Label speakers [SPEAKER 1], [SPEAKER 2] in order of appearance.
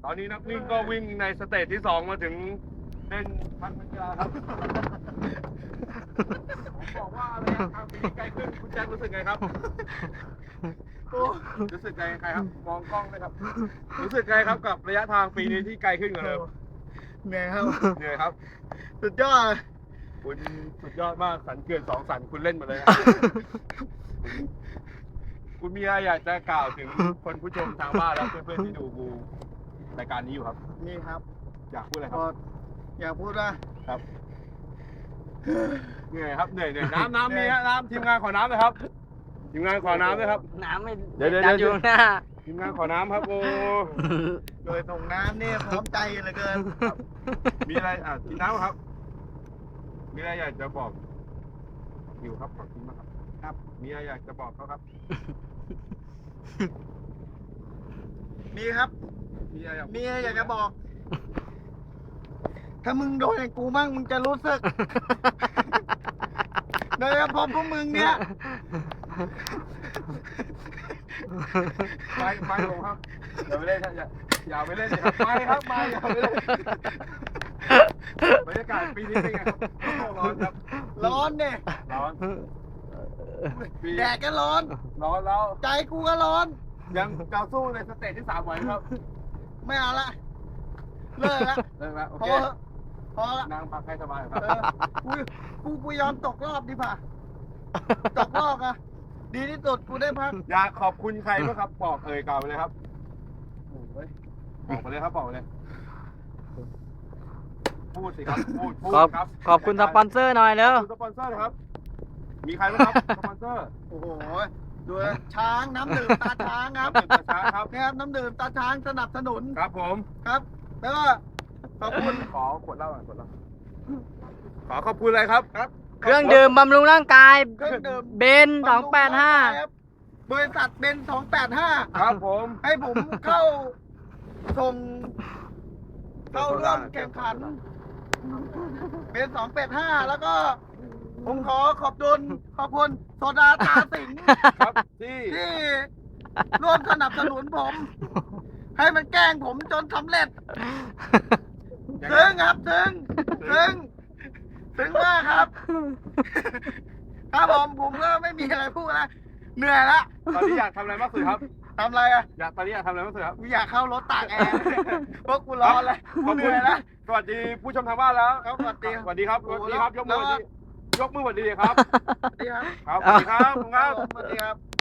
[SPEAKER 1] ตอนนี้นักวิ่งก็วิ่งในสเตจที่ 2มาถึงเส้นพันยาครับผมบอกว่าระยะทางปีนี้ไกลขึ้นคุณแจ็ครู้สึกไงครับรู้สึกไงครับมองกล้องเลยครับรู้สึกไงครับกับระยะทางปีนี้ที่ไกลขึ้นกว่าเดิม
[SPEAKER 2] เหนื่อยครับ
[SPEAKER 1] เหนื่อยครับ
[SPEAKER 2] สุดยอด
[SPEAKER 1] คุณสุดยอดมากสันเกิน2 สันคุณเล่นมาเลย คุณมีอะไรอยากจะกล่าวถึงคนผู้ชมทางบ้านและเพื่อนๆที่ดูรายการนี้อยู่ครับ
[SPEAKER 2] นี่ครับ
[SPEAKER 1] อยากพูดอะไรค
[SPEAKER 2] ก็
[SPEAKER 1] รับ
[SPEAKER 2] อยากพูดว่า
[SPEAKER 1] ครับเหนื่อยครับเหนื่อยน้ำมีฮะน้ำทีมงานขอน้ำเลยครับทีมงานขอน้ำด้วยครับ
[SPEAKER 3] น้ำไม่
[SPEAKER 1] เดี๋ยว
[SPEAKER 3] ดันอยู่หน้า
[SPEAKER 1] ทีมงานขอน้ำครับโอ้
[SPEAKER 2] โดยส่งน้ำนี่พร้อมใจเหลือเกิน
[SPEAKER 1] มีอะไรกินน้ำครับ มีอะไรอยากจะบอกอยู่ครับขอบคุณมากครับครับมีอะไรอยากจะบอกเขาครับ
[SPEAKER 2] มีครับ
[SPEAKER 1] มีอะไร
[SPEAKER 2] มีอะไรอยากจะบอก ถ้ามึงโดนอย่างกูมั่งมึงจะรู้สึก โดยเฉพาะพวกมึงเนี่ย
[SPEAKER 1] ไม่ลงครับอย่าไปเล่นอย่าไปเล่นเลยครับไม่ครับไม่อย่าไปเล่นบรรยากาศปีนี้เป็นไงครับร้อนครับ
[SPEAKER 2] ร้อนเนี่ย
[SPEAKER 1] ร้อนปี
[SPEAKER 2] แดดก็ร้อน
[SPEAKER 1] ร้อนแล้ว
[SPEAKER 2] ใจกูก็ร้อน
[SPEAKER 1] ยังจะสู้ในสเตจที่ 3ไหวไหมครับ
[SPEAKER 2] ไม่เอาละ เลิกละ
[SPEAKER 1] เลิกแล้วโอ
[SPEAKER 2] พอ
[SPEAKER 1] เค
[SPEAKER 2] เถอะพอละ
[SPEAKER 1] นั่งพักให้สบายค
[SPEAKER 2] เอ
[SPEAKER 1] รับ
[SPEAKER 2] อกูยอมตกรอบดีป่ะ ตกรอบอะดีที่สุดกูได้พัก
[SPEAKER 1] อยากขอบคุณใครบ้างครับบอกกล่าวไปเลยครับบอกไปเลยครับบอกไปเลยพูดสิครับพูด ครับ
[SPEAKER 3] ขอบคุณสปอนเซอร์หน่อยเร็ว
[SPEAKER 1] ขอบคุณสปอนเซอร์นะครับ มีใครบ้างครับสปอนเซอร์
[SPEAKER 2] โอ้โหดูนะช้างน้ำดื่มตาช้างครับ
[SPEAKER 1] น้ำดื่มตาช้างครับ
[SPEAKER 2] นี่ครับน้ำดื่มตาช้างสนับสนุน
[SPEAKER 1] ครับผม
[SPEAKER 2] ครับ แล้วก็ขอบคุณ
[SPEAKER 1] ขอขวดเหล้าหน่อยขวดเหล้าขอขอบคุณอะไรครับ
[SPEAKER 3] เครื่องดื่มบำรุงร่างกาย
[SPEAKER 2] เครื่องดื่ม
[SPEAKER 3] เบน285
[SPEAKER 2] ครับบริษัทเบน285
[SPEAKER 1] ครับผม
[SPEAKER 2] ให้ผมเข้าส่งเข้าร่วมแข่งขันเบน285 แล้วก็ผมขอขอบคุณโซดาตาสิงห์
[SPEAKER 1] ครับที่
[SPEAKER 2] ที่ร่วมสนับสนุนผม ให้มันแกล้งผมจนสำเร็จซึ้งครับซึ้งมากครับ ครับผมก็ไม่มีอะไรพูดนะเหนื่อยละ
[SPEAKER 1] ตอนนี้อยากทำอะไรมากสุดครับ
[SPEAKER 2] ทำอะไรอ่ะ
[SPEAKER 1] ตอนนี้อยากทำอะไรมากสุดครับ
[SPEAKER 2] กูอยากเข้ารถตากแอร์เพราะกูร้อนเลย
[SPEAKER 1] ขอบ
[SPEAKER 2] เห
[SPEAKER 1] คุ
[SPEAKER 2] นื่
[SPEAKER 1] ณ
[SPEAKER 2] อยแล้ว
[SPEAKER 1] สวัสดีผู้ชมทางบ้านแล้ว
[SPEAKER 2] ครับสวัสดี
[SPEAKER 1] สวัสดีครับสวัสดีครับยกมือสวัสดีครับ
[SPEAKER 2] สวัสดีครับ
[SPEAKER 1] ครับสวัสดีครับขอบคุณครับ
[SPEAKER 2] สวัสดีครับ